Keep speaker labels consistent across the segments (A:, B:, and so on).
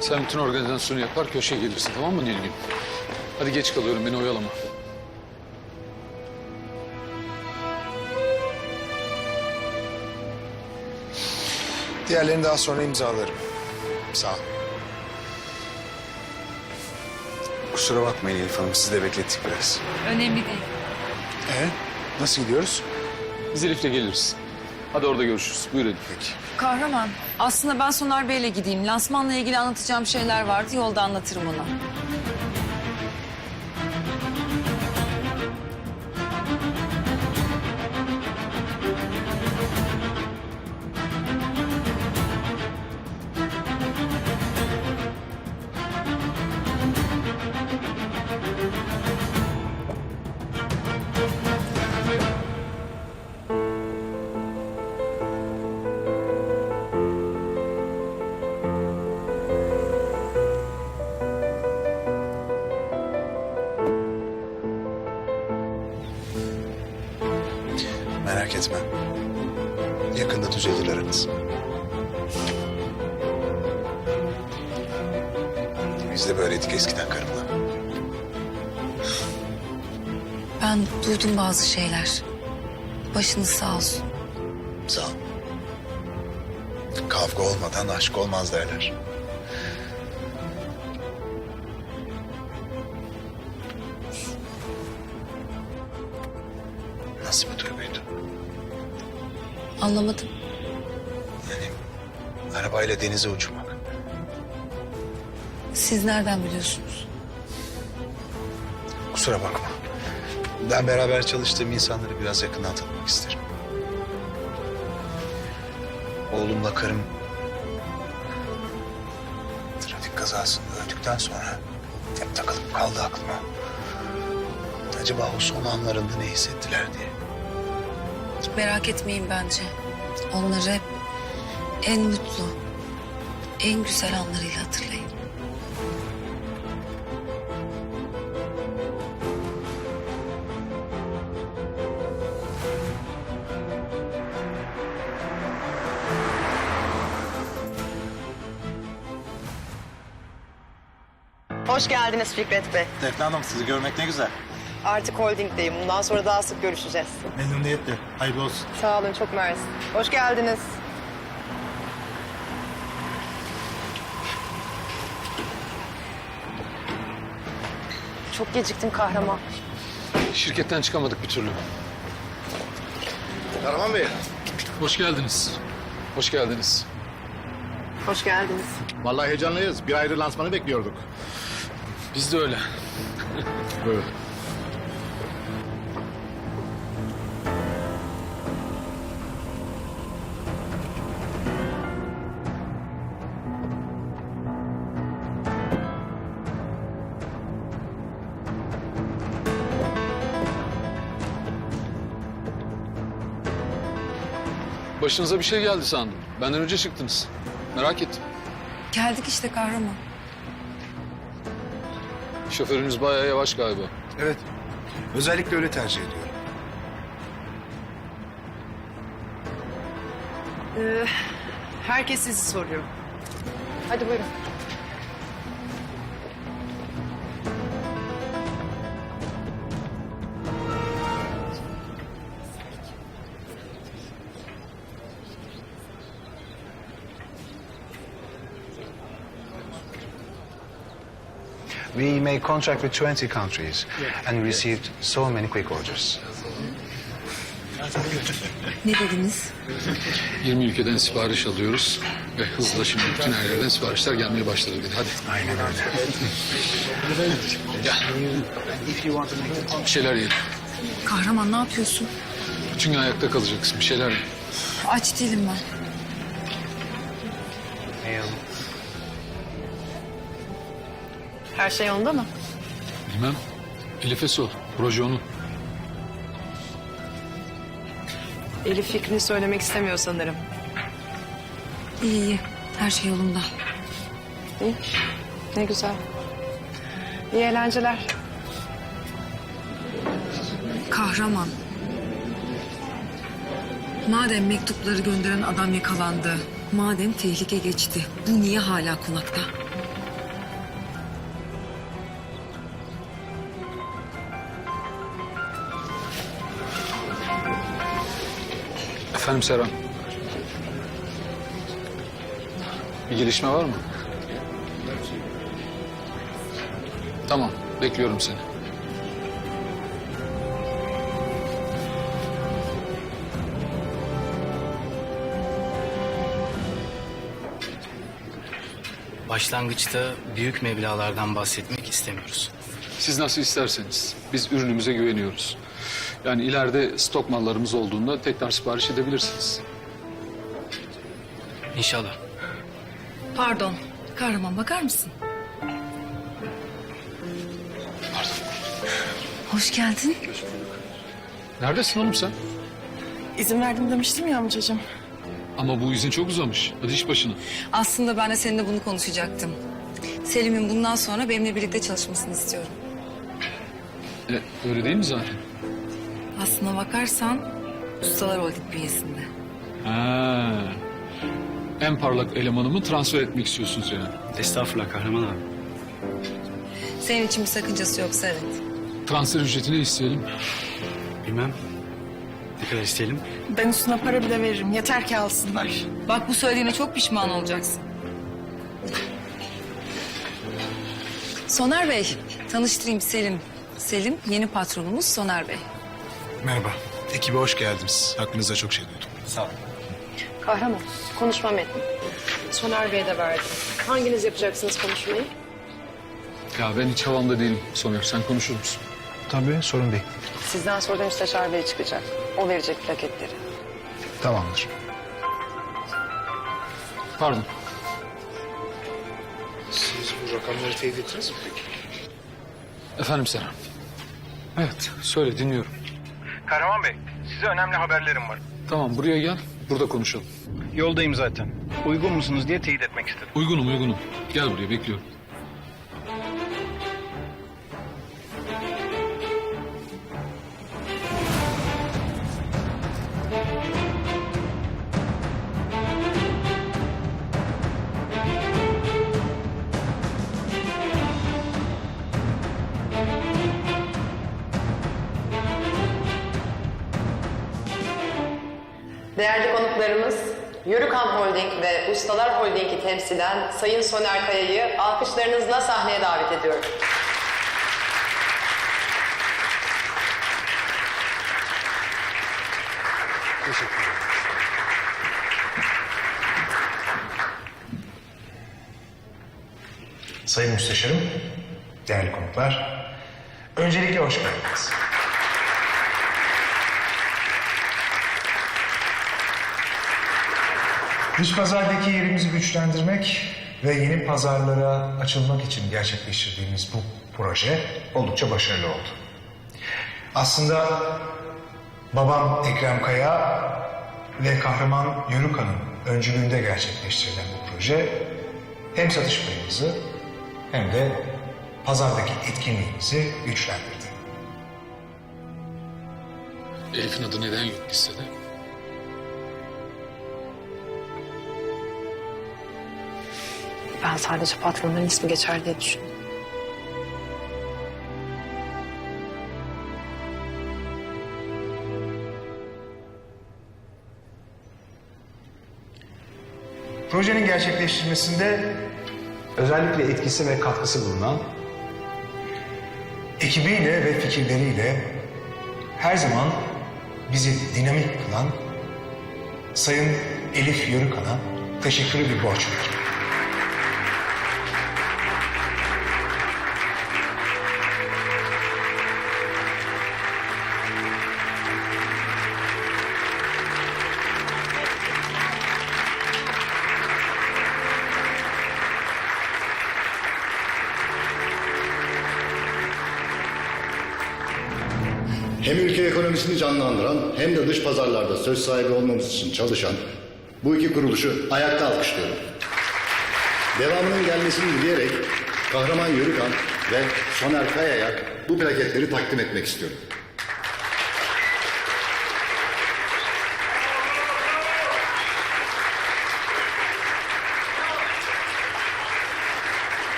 A: Sen bütün organizasyonu yapar köşeye gelirsin, tamam mı Nilgün? Hadi geç kalıyorum, beni oyalama.
B: Diğerlerini daha sonra imzalarım. Sağ ol. Kusura bakmayın Elif Hanım, sizi de beklettik biraz.
C: Önemli değil.
B: Nasıl gidiyoruz?
A: Biz Elif'le geliriz. Hadi orada görüşürüz. Buyur Elif.
B: Peki.
C: Kahraman, aslında ben Soner Bey'le gideyim. Lansmanla ilgili anlatacağım şeyler vardı. Yolda anlatırım ona.
B: Merak etme. Yakında düzelir aranız. Biz de böyleydik eskiden karımla.
C: Ben duydum bazı şeyler. Başınız sağ olsun.
B: Sağ ol. Kavga olmadan aşk olmaz derler. Nasıl bir duyguydu?
C: Anlamadım.
B: Yani arabayla denize uçmak.
C: Siz nereden biliyorsunuz?
B: Kusura bakma. Ben beraber çalıştığım insanları biraz yakından tanımak isterim. Oğlumla karım trafik kazasında öldükten sonra hep takılıp kaldı aklıma. Acaba o son anlarında ne hissettiler diye.
C: Merak etmeyin bence. Onları hep en mutlu, en güzel anlarıyla hatırlayın.
D: Hoş geldiniz Fikret Bey.
E: Defne Hanım, sizi görmek ne güzel.
D: Artık holdingdeyim. Bundan sonra daha sık görüşeceğiz.
E: Memnuniyetle. Hayırlı olsun.
D: Sağ olun, çok mersi. Hoş geldiniz. Çok geciktim kahraman.
A: Şirketten çıkamadık bir türlü.
B: Kahraman Bey.
A: Hoş geldiniz. Hoş geldiniz.
D: Hoş geldiniz.
E: Vallahi heyecanlıyız. Bir ayrı lansmanı bekliyorduk.
A: Biz de öyle.
E: Buyurun.
A: Başınıza bir şey geldi sandım. Benden önce çıktınız. Merak ettim.
C: Geldik işte kahraman.
A: Şoförünüz bayağı yavaş galiba.
B: Evet. Özellikle öyle tercih ediyorum.
D: Herkes sizi soruyor. Hadi buyurun.
F: We made contract with 20 countries and received so many quick orders.
C: Ne dediniz?
A: 20 ülkeden sipariş alıyoruz ve hızla şimdi bütün her yerden siparişler gelmeye başladı dedi. Hadi.
B: Aynen öyle.
A: Gel. Bir şeyler yiyelim.
C: Kahraman ne yapıyorsun?
A: Bütün gün ayakta kalacaksın. Bir şeyler ye.
C: Aç değilim ben.
D: Her şey yolunda mı?
A: Bilmem. Elif'e sor. Proje onun.
D: Elif fikrini söylemek istemiyor sanırım.
C: İyi iyi. Her şey yolunda.
D: İyi. Ne güzel. İyi eğlenceler.
C: Kahraman. Madem mektupları gönderen adam yakalandı, madem tehlike geçti, bu niye hala konakta?
A: Efendim Serhan. Bir gelişme var mı? Tamam, bekliyorum seni.
G: Başlangıçta büyük meblağlardan bahsetmek istemiyoruz.
A: Siz nasıl isterseniz. Biz ürünümüze güveniyoruz. Yani ileride stok mallarımız olduğunda tekrar sipariş edebilirsiniz.
G: İnşallah.
C: Pardon. Kahraman bakar mısın? Hoş geldin.
A: Neredesin oğlum sen?
D: İzin verdim demiştim ya amcacığım.
A: Ama bu izin çok uzamış. Hadi iş başına.
C: Aslında ben de seninle bunu konuşacaktım. Selim'in bundan sonra benimle birlikte çalışmasını istiyorum.
A: Öyle değil mi zaten?
C: Aslına bakarsan Ustalar Holding bünyesinde.
A: Ha. En parlak elemanımı transfer etmek istiyorsunuz yani.
G: Estağfurullah Kahraman abi.
C: Senin için bir sakıncası yoksa evet.
A: Transfer ücretini isteyelim.
G: Bilmem. Ne kadar isteyelim?
D: Ben üstüne para bile veririm. Yeter ki alsınlar.
C: Bak bu söylediğine çok pişman olacaksın. Soner Bey, tanıştırayım Selim. Selim yeni patronumuz Soner Bey.
B: Merhaba. Ekibe hoş geldiniz. Hakkınızda çok şey duydum.
G: Sağ ol.
D: Kahraman, konuşma metni. Soner Bey'e de verdim. Hanginiz yapacaksınız konuşmayı?
A: Ya ben hiç havamda değilim Soner. Sen konuşur musun?
F: Tabii, sorun değil.
D: Sizden sonra da Müsteşar Bey çıkacak. O verecek plaketleri.
F: Tamamdır.
A: Pardon.
B: Siz bu rakamları teyit ettiniz mi peki?
A: Efendim Serhan. Evet, söyle dinliyorum.
H: Kahraman Bey, size önemli haberlerim var.
A: Tamam, buraya gel. Burada konuşalım.
H: Yoldayım zaten. Uygun musunuz diye teyit etmek istedim.
A: Uygunum. Gel buraya, bekliyorum.
I: Değerli konuklarımız, Yörükan Holding ve Ustalar Holding'i temsilen Sayın Soner Kaya'yı alkışlarınızla sahneye davet ediyorum.
B: Sayın Müsteşarım, değerli konuklar, öncelikle hoş geldiniz. Dış pazardaki yerimizi güçlendirmek ve yeni pazarlara açılmak için gerçekleştirdiğimiz bu proje oldukça başarılı oldu. Aslında babam Ekrem Kaya ve kahraman Yörükan'ın öncülüğünde gerçekleştirilen bu proje hem satış payımızı hem de pazardaki etkinliğimizi güçlendirdi.
A: Elif'in adı neden yok listede?
D: Ben sadece patronların ismi geçer diye düşündüm.
B: Projenin gerçekleştirilmesinde özellikle etkisi ve katkısı bulunan ekibiyle ve fikirleriyle her zaman bizi dinamik kılan Sayın Elif Yörükan'a teşekkürü bir borç veririm.
J: Hem ülke ekonomisini canlandıran hem de dış pazarlarda söz sahibi olmamız için çalışan bu iki kuruluşu ayakta alkışlıyorum. Devamının gelmesini dileyerek Kahraman Yörükan ve Soner Kaya'ya bu plaketleri takdim etmek istiyorum.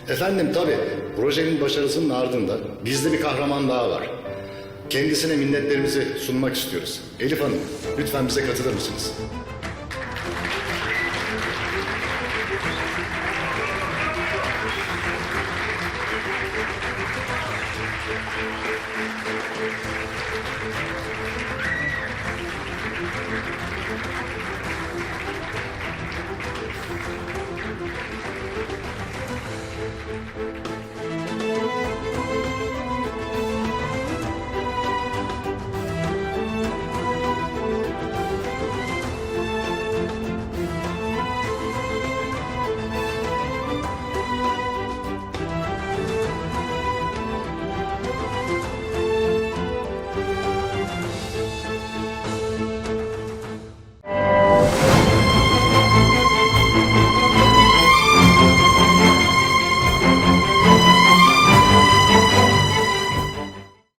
J: Efendim tabii projenin başarısının ardında bizde bir kahraman daha var. Kendisine minnetlerimizi sunmak istiyoruz. Elif Hanım, lütfen bize katılır mısınız?